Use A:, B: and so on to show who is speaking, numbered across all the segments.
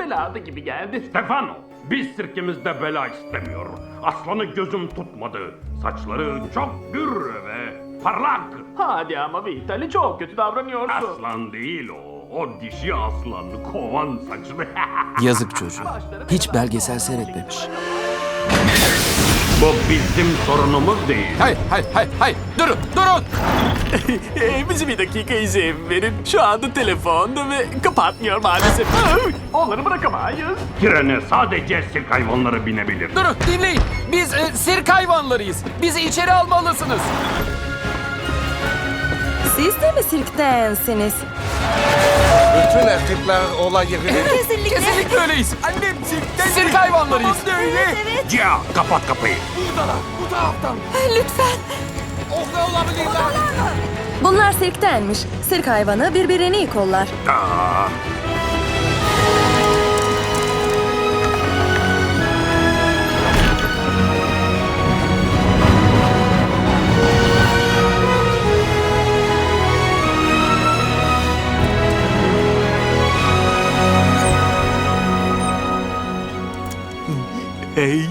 A: belada gibi geldi.
B: Stefano, biz sirkemizde bela istemiyor. Aslanı gözüm tutmadı. Saçları çok gür ve parlak.
A: Hadi ama Vitali, çok kötü davranıyorsun.
B: Aslan değil o. O dişi aslan, kovan saçlı.
C: Yazık çocuğa. Hiç belgesel seyretmemiş.
B: Bu bizim sorunumuz değil.
C: Hayır. Durun.
A: Bizi bir dakika izin verin. Şu anda telefonda ve kapatmıyor maalesef. Onları bırakamayız.
B: Trene sadece sirk hayvanları binebilir.
C: Durun, dinleyin. Biz sirk hayvanlarıyız. Bizi içeri almalısınız.
D: Siz de mi sirktensiniz?
E: Bütün erkekler olay yerine...
C: Kesinlikle öyleyiz. Sirk hayvanlarıyız.
B: Cia, kapat kapıyı.
D: Lütfen. Bunlar sirktenmiş. Sirk hayvanı birbirini kollar.
B: Aa,
A: Hey.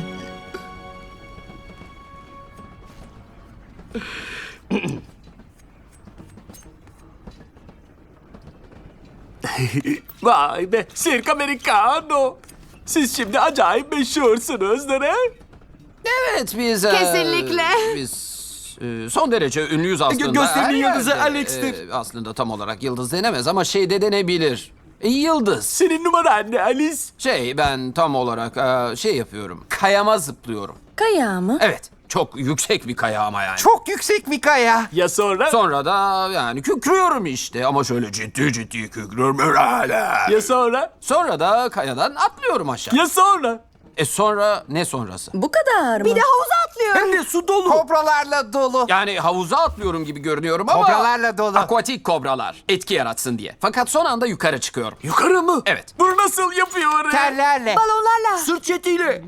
A: Vay be, Sirk Americano. Siz şimdi acayip meşhursunuz, değil mi?
C: Evet biz...
F: Kesinlikle.
C: Biz son derece ünlüyüz aslında.
A: Gösterinin
C: Her
A: yıldızı
C: yerde.
A: Alex'tir.
C: Aslında tam olarak yıldız denemez ama şey de denebilir. Yıldız.
A: Senin numaran ne Alice?
C: Ben tam olarak şey yapıyorum. Kayama zıplıyorum.
D: Kayağı mı?
C: Evet. Çok yüksek bir kaya ama yani.
E: Çok yüksek bir kaya.
A: Ya sonra?
C: Sonra da yani kükrüyorum işte ama şöyle ciddi kükrüyorum öyle.
A: Ya sonra?
C: Sonra da kayadan atlıyorum aşağı.
A: Ya sonra?
C: Sonra ne sonrası?
D: Bu kadar mı?
F: Bir de havuza atlıyor.
A: Hem de su dolu.
E: Kobralarla dolu.
C: Yani havuza atlıyorum gibi görünüyorum ama...
E: Kobralarla dolu.
C: Akvatik kobralar. Etki yaratsın diye. Fakat son anda yukarı çıkıyorum.
A: Yukarı mı?
C: Evet.
A: Bunu nasıl yapıyor?
E: Terlerle.
F: Balonlarla.
A: Sırt çetiyle.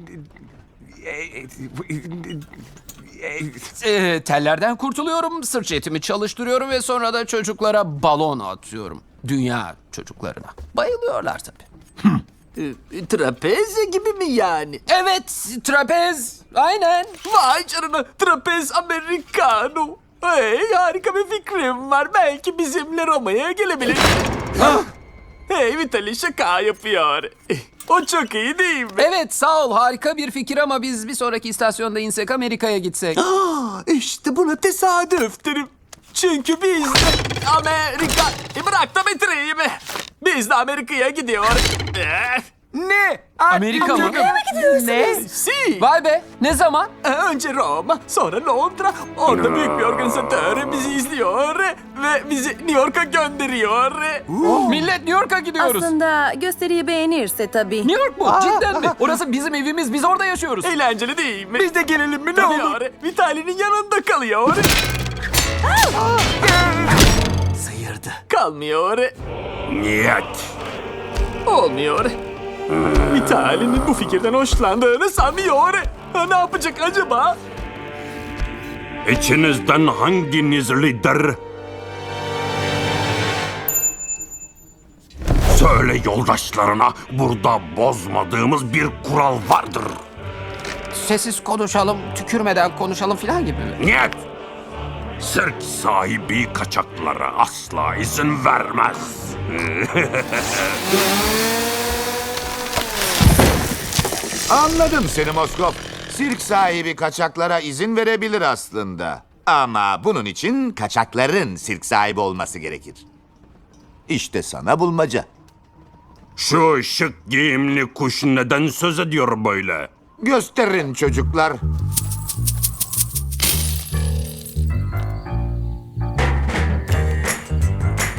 C: Tellerden kurtuluyorum, sırt etimi çalıştırıyorum ve sonra da çocuklara balon atıyorum. Dünya çocuklarına. Bayılıyorlar tabii.
A: Trapez gibi mi yani?
C: Evet, trapez. Aynen.
A: Vay canına, trapez americano. Hey, harika bir fikrim var. Belki bizimle Roma'ya gelebilir. Hey, Vitali şaka yapıyor. O çok iyi değil mi?
C: Evet, sağ ol. Harika bir fikir ama biz bir sonraki istasyonda insek Amerika'ya gitsek.
A: İşte buna tesadüf derim. Çünkü biz de Amerika... bırak da bitireyim. Biz de Amerika'ya gidiyor.
E: Ne?
C: Amerika mı?
A: Ne? Si.
C: Vay be, ne zaman?
A: Önce Roma, sonra Londra. Orada büyük bir organizatör bizi izliyor ve bizi New York'a gönderiyor.
C: Millet New York'a gidiyoruz.
D: Aslında gösteriyi beğenirse tabii.
C: New York mu? Cidden mi? Orası bizim evimiz, biz orada yaşıyoruz.
A: Eğlenceli değil mi? Biz de gelelim mi ne olur? Vitali'nin yanında kalıyor.
C: Sıyırdı.
A: Kalmıyor.
B: niyet.
A: Olmuyor. Vitali'nin bu fikirden hoşlandığını sanmıyor. Ne yapacak acaba?
B: İçinizden hanginiz lider? Söyle yoldaşlarına, burada bozmadığımız bir kural vardır.
C: Sessiz konuşalım, tükürmeden konuşalım falan gibi mi?
B: Niyet! Sirk sahibi kaçaklara asla izin vermez.
E: Anladım seni Moskov. Sirk sahibi kaçaklara izin verebilir aslında. Ama bunun için kaçakların sirk sahibi olması gerekir. İşte sana bulmaca.
B: Şu şık giyimli kuş neden söz ediyor böyle?
E: Gösterin çocuklar.